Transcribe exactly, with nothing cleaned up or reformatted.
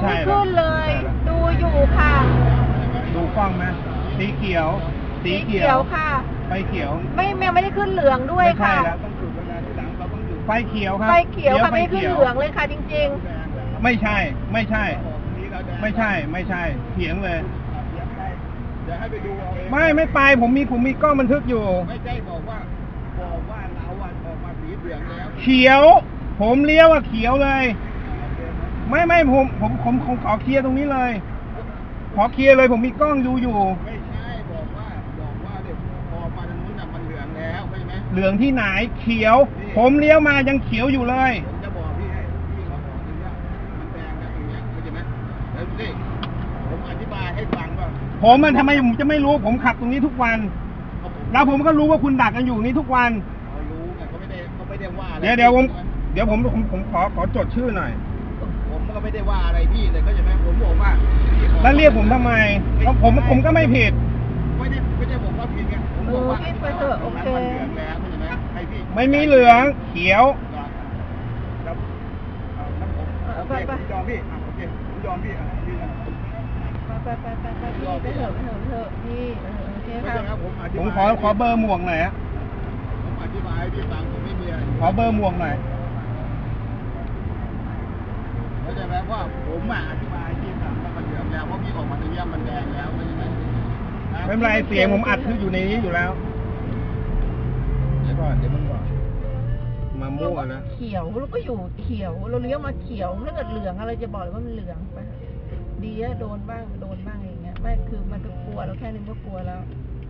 ยังไม่ขึ้นเลย ดูอยู่ค่ะดูกล้องไหมสีเขียวสีเขียวค่ะไฟเขียวไม่ยังไม่ได้ขึ้นเหลืองด้วยค่ะไม่ใช่แล้วต้องจุดเวลาที่หลังเราต้องจุดไฟเขียวครับไฟเขียวค่ะไม่ขึ้นเหลืองเลยค่ะจริงๆไม่ใช่ไม่ใช่ ไม่ใช่ไม่ใช่เถียงเลยเดี๋ยวให้ไปดูเอาเองไม่ไม่ไปผมมีผมมีกล้องบันทึกอยู่ไม่ใช่บอกว่าบอกว่าเราอ่ะออกมาสีเหลืองแล้วเขียวผมเลี้ยวอ่ะเขียวเลยไม่ไม่ผมผมผมผมขอเคลียร์ตรงนี้เลยขอเคลียร์เลยผมมีกล้องดูอยู่ไม่ใช่บอกว่าบอกว่าเดี๋ยวพอมาทางนู้นน่ะมันเหลืองแล้วใช่ไหมเหลืองที่ไหนเขียวผมเลี้ยวมายังเขียวอยู่เลยผมจะบอกพี่ให้พี่เขาบอกตรงเนี้ยมันแดงนะตรงเนี้ยเข้าใจไหมแล้วดูดิผมอธิบายให้ฟังว่าผมมันทำไมผมจะไม่รู้ผมขับตรงนี้ทุกวันแล้วผมก็รู้ว่าคุณดักกันอยู่นี้ทุกวันเขารู้ไงเขาไม่ได้เขาไม่ได้ว่าเดี๋ยวเดี๋ยวผมเดี๋ยวผมผมผมขอขอจดชื่อหน่อยผมก็ไม่ได้ว่าอะไรพี่เลยเข้าใจไหมผมบอกว่าแล้วเรียกผมทำไมผมผมก็ไม่ผิดไม่ได้ไม่ได้บอกว่าผิดไงผมบอกว่าพี่ไปเถอะโอเคมันเหลืองแล้วใช่ไหมให้พี่ไม่มีเหลืองเขียวครับเอาไปไปยอมพี่โอเคผมยอมพี่อ่ะพี่ไปไปไปไปพี่ไปเถอะไปเถอะไปเถอะพี่โอเคครับผมขอขอเบอร์หมวกหน่อยฮะผมอธิบายให้พี่ฟังผมไม่มีอะไรขอเบอร์หมวกหน่อยเข้าใจไหมว่าผมอ่ะอธิบายที่สั่งว่ามันเหลืองแล้วเพราะพี่ออกมาตรงนี้มันแดงแล้วไม่ใช่ไหมไม่เป็นไรเสียงผมอัดคืออยู่ในนี้อยู่แล้วเดี๋ยวก่อนเดี๋ยวมันก่อนมามั่วนะเขียวแล้วก็อยู่เขียวเราเลี้ยวมาเขียวถ้าเกิดเหลืองอะไรจะบอกเลยว่ามันเหลืองไปดีอะโดนบ้างโดนบ้างอย่างเงี้ยไม่คือมันก็กลัวเราแค่นึงก็กลัวแล้ว